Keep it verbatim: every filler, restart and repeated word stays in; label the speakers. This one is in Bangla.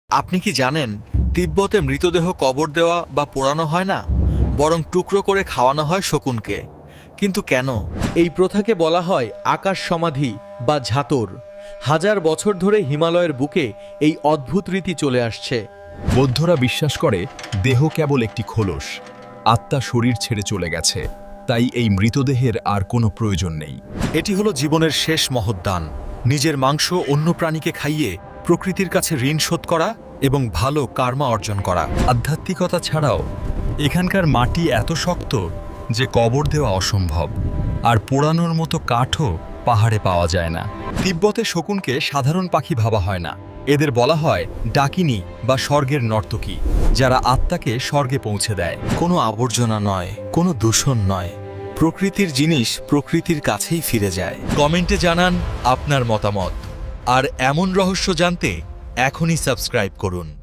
Speaker 1: আপনি কি জানেন তিব্বতে মৃতদেহ কবর দেওয়া বা পোড়ানো হয় না, বরং টুকরো করে খাওয়ানো হয় শকুনকে? কিন্তু কেন?
Speaker 2: এই প্রথাকে বলা হয় আকাশ সমাধি বা ঝাতর। হাজার বছর ধরে হিমালয়ের বুকে এই অদ্ভুত রীতি চলে আসছে।
Speaker 3: বৌদ্ধরা বিশ্বাস করে দেহ কেবল একটি খোলস, আত্মা শরীর ছেড়ে চলে গেছে, তাই এই মৃতদেহের আর কোনো প্রয়োজন নেই।
Speaker 1: এটি হলো জীবনের শেষ মহৎদান, নিজের মাংস অন্য প্রাণীকে খাইয়ে প্রকৃতির কাছে ঋণ শোধ করা এবং ভালো কার্মা অর্জন করা।
Speaker 3: আধ্যাত্মিকতা ছাড়াও এখানকার মাটি এত শক্ত যে কবর দেওয়া অসম্ভব, আর পোড়ানোর মতো কাঠও পাহাড়ে পাওয়া যায় না। তিব্বতে শকুনকে সাধারণ পাখি ভাবা হয় না, এদের বলা হয় ডাকিনী বা স্বর্গের নর্তকী, যারা আত্মাকে স্বর্গে পৌঁছে দেয়।
Speaker 1: কোনো আবর্জনা নয়, কোনো দূষণ নয়, প্রকৃতির জিনিস প্রকৃতির কাছেই ফিরে যায়। কমেন্টে জানান আপনার মতামত, আর এমন রহস্য জানতে এখনই সাবস্ক্রাইব করুন।